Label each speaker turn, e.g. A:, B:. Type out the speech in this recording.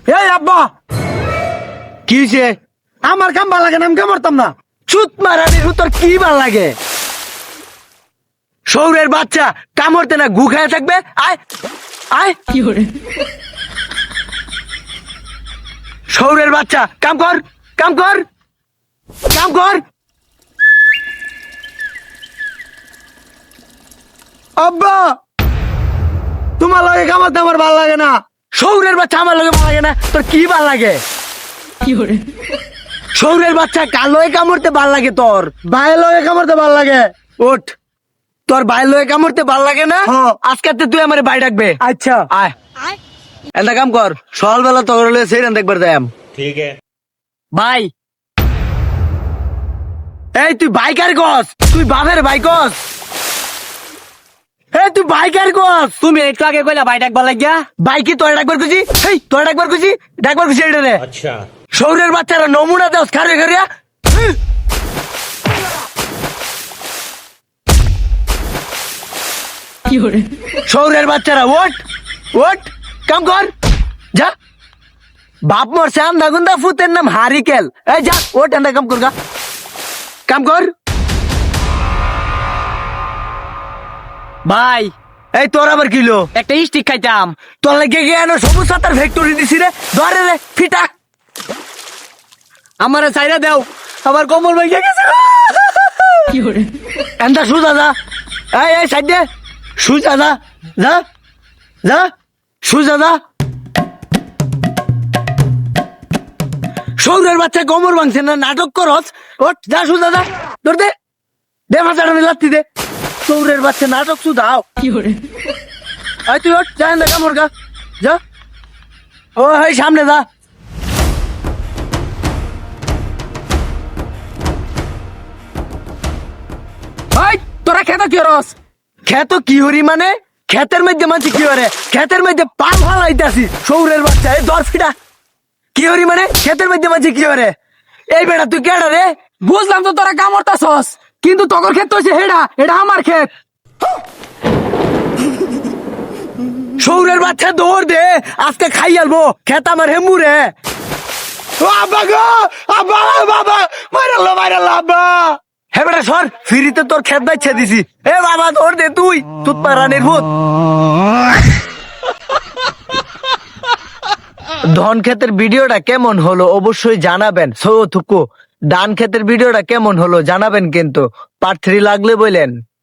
A: এই আব্বা কি হইছে? আমার কাম ভাল লাগে না, আমি কাম করতাম না। চুত মারানি তোর কি ভাল লাগে? শৌরের বাচ্চা কামড়তে না গু খায় থাকবে। আয় আয়
B: কি করে
A: শৌরের বাচ্চা কাম কর, কাম কর, কাম কর। আব্বা তোমার লগে কামাতে আমার ভাল লাগে না। শৌরের বাচ্চা আমার লগে ভাল লাগে না, তোর কি ভাল লাগে?
B: কি করে
A: শৌরের বাচ্চা কার লগে কামড়তে ভাল লাগে? তোর ভাইয়ের লগে কামড়তে ভাল লাগে। ওঠ, তোর ভাইয়ের লগে কামড়তে ভাল লাগে না? আজকে তুই আমার ভাই ডাকবে। আচ্ছা আয় একটা কাম কর, সকালবেলা তোর হলে সেইখান দেখবার যাই।
C: ठीक है।
A: ভাই এই তুই বাইকার গস, তুই বাপের ভাই গস। এই তুই বাইকার গস। তুমি একটু আগে কইলা ভাই ডাকবার লাগিয়া, ভাই কি তোর ডাকবার খুশি? এই তোর ডাকবার খুশি, ডাকবার খুশি এটা রে।
C: अच्छा।
A: শৌরের বাচ্চারা নমুনা দেওয়া খারে খারিয়া।
B: কি করে
A: শৌরের বাচ্চারা ওট ওট, কাম কর যা। বাপ মরছে আন্দা গুন্দা ফুতের নাম হারিকেল। এই যা ওট, এন্দা কাম কর গা, কাম কর। ভাই এই তোর আবার কিলো একটা স্টিক খাইতাম, তোর লাগে গিয়ে সবুজ সাতার ফ্যাক্টরি দিছি রে। ধরে রে ফিটা আমার চাইরা দেও, আমার কোমর ভাইয়া গেছে।
B: কি করে
A: এন্দা সুজা যা, এই এই সাইড দে, সুজা যা, যা যা, সুজা যা। শৌরের বাচ্চা কোমর ভাঙছে না, নাটক করস। ওঠ যা, সুজা যা, ধর দে, দে মাথাটা লাত্তি দে। শৌরের বাচ্চা নাটক সুদাও।
B: কি করে
A: আয় তুই ওঠ, যা এন্দা কামড় গা, যা। ও এই সামনে যা।
B: তোরা খেতে কি রস
A: খেত কি হরি মানে? ক্ষেতের মধ্যে মানছি কি হরে? ক্ষেতের মধ্যে পা ফালাইতাছি। শৌরের বাচ্চা এই দর ফিটা কি হরি মানে? ক্ষেতের মধ্যে মানছি কি হরে? এই বেটা তুই কেডা রে?
B: বুঝলাম তো তোরা কামড়তাছস, কিন্তু তোর ক্ষেত হচ্ছে হেডা, এটা আমার ক্ষেত।
A: শৌরের বাচ্চা দৌড় দে, আজকে খাই আলবো ক্ষেত আমার হেমু রে। ও আব্বা গো, আব্বা বাবা মাইরাল্লা মাইরাল্লা আব্বা। হে বেটা সর, ফিরিতে তোর ক্ষেত বাইছে দিছি। এ বাবা দৌড় দে তুই, তুত পারানির ভূত। ধন ক্ষেতের ভিডিওটা কেমন হলো অবশ্যই জানাবেন। সো থুকু ডান ক্ষেতের ভিডিওটা কেমন হলো জানাবেন, কিন্তু পার্ট 3 লাগলে বলেন।